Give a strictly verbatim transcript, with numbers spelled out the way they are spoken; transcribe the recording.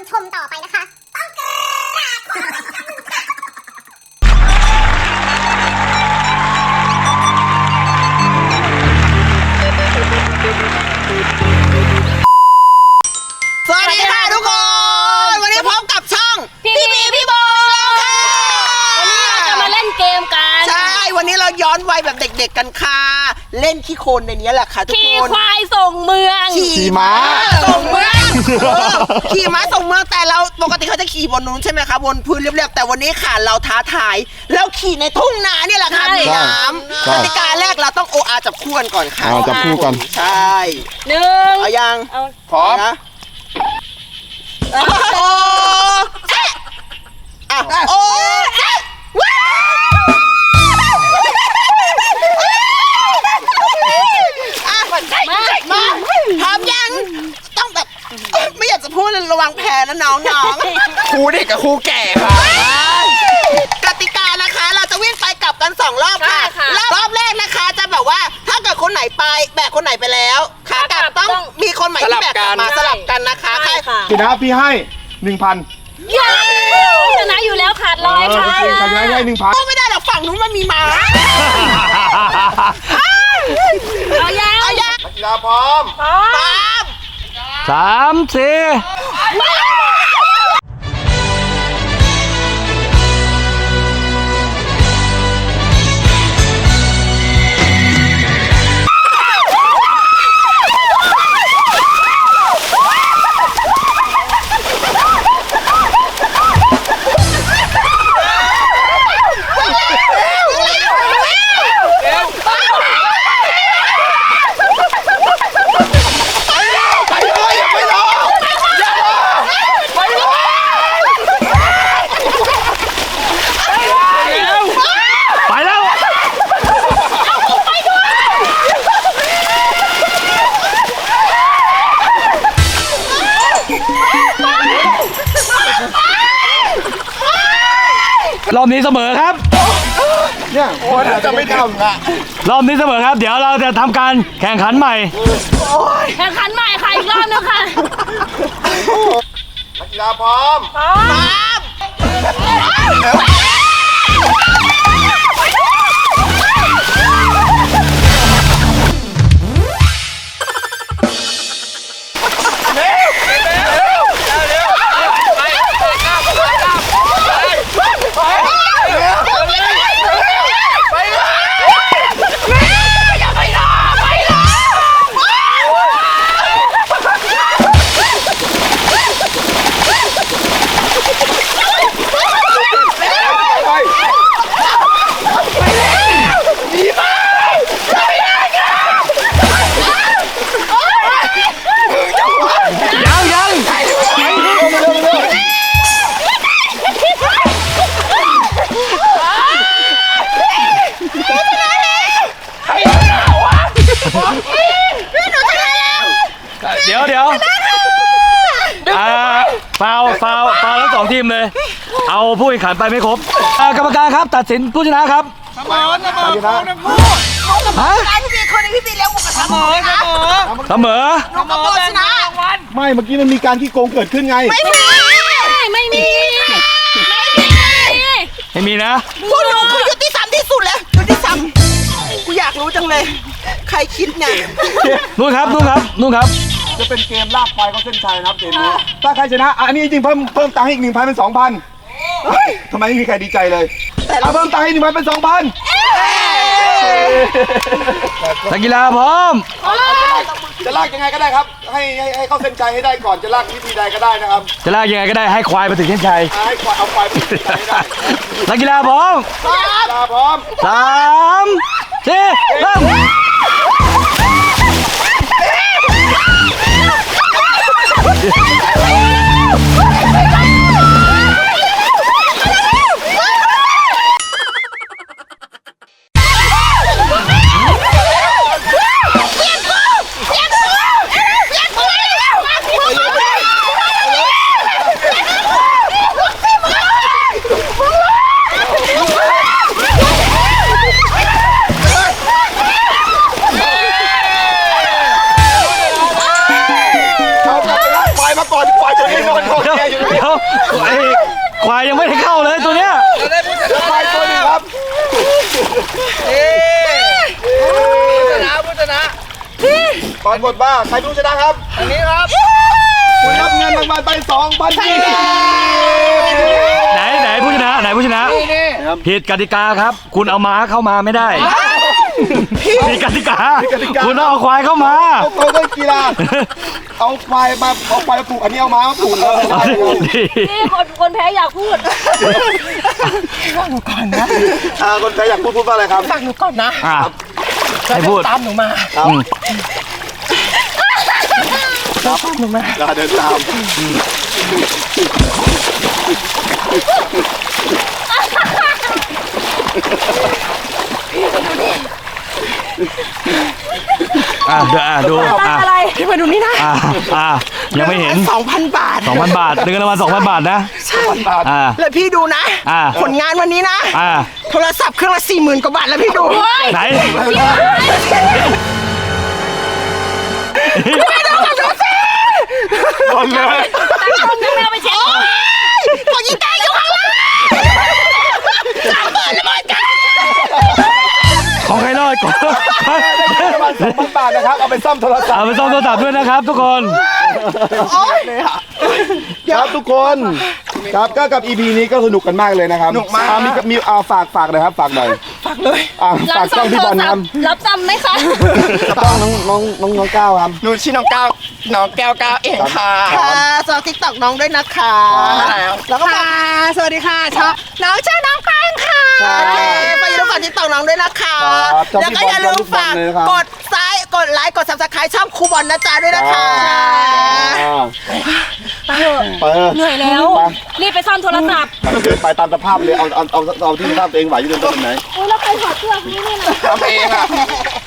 ชมต่อไปนะคะต้องกราบขอบสวัสดีค่ะทุกคนวันนี้พบกับช่องพี่บีพี่โบค่ะวันนี้เราจะมาเล่นเกมกันใช่วันนี้เราย้อนวัยแบบเด็กๆกันค่ะเล่นขี้โคลนในนี้แหละค่ะทุกคนขี่ควายส่งเมืองขี่ม้าส่งเมืองขี่ม้าส่งเมืองแต่เราปกติเขาจะขี่บนนู้นใช่ไหมคะบนพื้นเรียบๆแต่วันนี้ค่ะเราท้าทายเราขี่ในทุ่งนาเนี่ยแหละค่ะมีน้ำกติกาแรกเราต้องโออาจับคู่กันก่อนค่ะจับคู่กันใช่หนึ่งเอายังพร้อมนะโอ้เจ๊อ่ะโอ้เจ๊ว้าวมามาพร้อมยังต้องแบบไม่อยากจะพูดระวังแพ้นะน้องๆครูเด็กกับครูแก่ค่ะกติกานะคะเราจะวิ่งไปกลับกันสองรอบค่ะรอบแรกนะคะจะแบบว่าถ้าเกิดคนไหนไปแบกคนไหนไปแล้วขากลับต้องมีคนใหม่ที่แบกกลับมาสลับกันนะคะใช่ค่ะชนะพี่ให้หนึ่งพันชนะอยู่แล้วขาดร้อยค่ะชนะให้หนึ่งพันไม่ได้หรอกฝั่งนู้นมันมีม้าเอายังเอายังนักกีฬาพร้อมพร้อมสามสี่รอบนี้เสมอครับเนี่ยโอ้ยจะไม่ทำอ่ะรอบนี้เสมอครับเดี๋ยวเราจะทำการแข่งขันใหม่แข่งขันใหม่ค่ะอีกรอบนึงค่ะนักกีฬาพร้อมพร้อมเดี๋ยวเดี๋ยวอ่าฟาวฟาวฟาวทั้งสองทีมเลยเอาผู้แข่งขันไปไม่ครบกรรมการครับตัดสินผู้ชนะครับเสมอเสมอทั้งคู่ฮะพี่บีคนนึงพี่บีเลี้ยงหมูกระทะเสมอเสมอเสมอน้องกระโดดชนะไม่เมื่อกี้มันมีการขี้โกงเกิดขึ้นไงไม่มีไม่มีไม่มีนะพวกหนูคือยุติธรรมที่สุดเลยยุติธรรมกูอยากรู้จังเลยใครคิดเนี่ยนู่นครับนู่นครับนู่นครับจะเป็นเกมลากควายเข้าเส้นชัยนะครับเกมนี้ถ้าใครชนะอันนี้จริงเพิ่มเพิ่มตังค์ให้อีกหนึ่งพันเป็นสองพันทำไมไม่มีใครดีใจเลยเอาเพิ่มตังค์ให้หนึ่งพันเป็นสองพันนักกีฬาพร้อมจะลากยังไงก็ได้ครับให้ให้ให้เข้าเส้นชัยให้ได้ก่อนจะลากวิธีใดก็ได้นะครับจะลากยังไงก็ได้ให้ควายไปถึงเส้นชัยให้ควายเอาควายไปถึงเส้นชัยให้ได้นักกีฬาพร้อมนักกีฬาพร้อมสามสี่เริ่มก่อนควายจะให้นอนคอเดี๋ยวแกอยู่เดี๋ยวไอ้ควายยังไม่ได้เข้าเลยตัวเนี้ยควายตัวหนึงครับชนะผู้ชนะปรากฏว่าใครผู้ชนะครับอันนี้ครับคุณรับเงินรางวัลไปสองพันบาทไหนไหนผู้ชนะไหนผู้ชนะผิดกติกาครับ คุณเอาม้าเข้ามาไม่ได้ผิดกติกาคุณต้องเอาควายเข้ามาเอาตัวเล่นกีฬาเอาควายมาเอาควายมาปลูกอันนี้เอาม้ามาปลูกแล้วนี่คนคนแพ้อยากพูดอ่าคนใครอยากพูดพูดว่าอะไรครับฟังหนูก่อนนะอ่ะให้พูดตามหนูมาครับอืมตามหนูมาเดินตามอ่ะเดี๋ยวอ่ะดูอ่ะอะไรพี่มาดูนี่นะอ่ะอ่ะยังไม่เห็นสองพันบาทสองพันบาทเงินรางวัลสองพันบาทนะใช่อ่าแล้วพี่ดูนะอ่าผลงานวันนี้นะอ่าโทรศัพท์เครื่องละสี่หมื่นกว่าบาทแล้วพี่ดูไหนโดนเลยตั้งกล้องนั่งแมวไปเช็คขอยิงตายอยู่ข้างล่างสามหมื่นแล้วหมดกันของใครรอดก่อนประมาณสองพันบาทนะครับเอาไปซ่อมโทรศัพเอาท์ไปซ่อมโทรศัพท์ด้วยนะครับ ทุกคนครับทุกคนครับก็กับ อี พี นี้ก็สนุกกันมากเลยนะครับสนุกมากอ่มีมีอ่าฝากฝากหน่อยครับฝากหน่อยฝากเลยอ่าฝากช่องพี่บอลครับรับจำไหมคะช่องน้องน้องน้องน้องก้าวครับหนูชื่อน้องก้าวน้องแก้วก้าวเองค่ะค่ะสวัสดีติ๊กต็อกน้องด้วยนะคะครับแล้วก็ค่ะสวัสดีค่ะชอบน้องชื่อน้องแป้งค่ะครับโอเคไปอย่าลืมฝากติ๊กต็อกน้องด้วยนะคะครับชอบแล้วก็อย่าลืมฝากพี่บอลเลยนะครับกดซ้ายกดไลค์กดซับสไครต์ช่องครูบอลนะจ๊ะด้วยนะคะอ่าไปเถอะไปเออเหนื่อยแล้วไปรีบไปซ่อมโทรศัพท์ไปตามสภาพเลยเอาเอาเอาเอาที่สภาพตัวเองไหวอยู่เดินตรงไหนโอ้ยแล้วใครถอดเสื้อนี้เนี่ยนะทำเองอ่ะ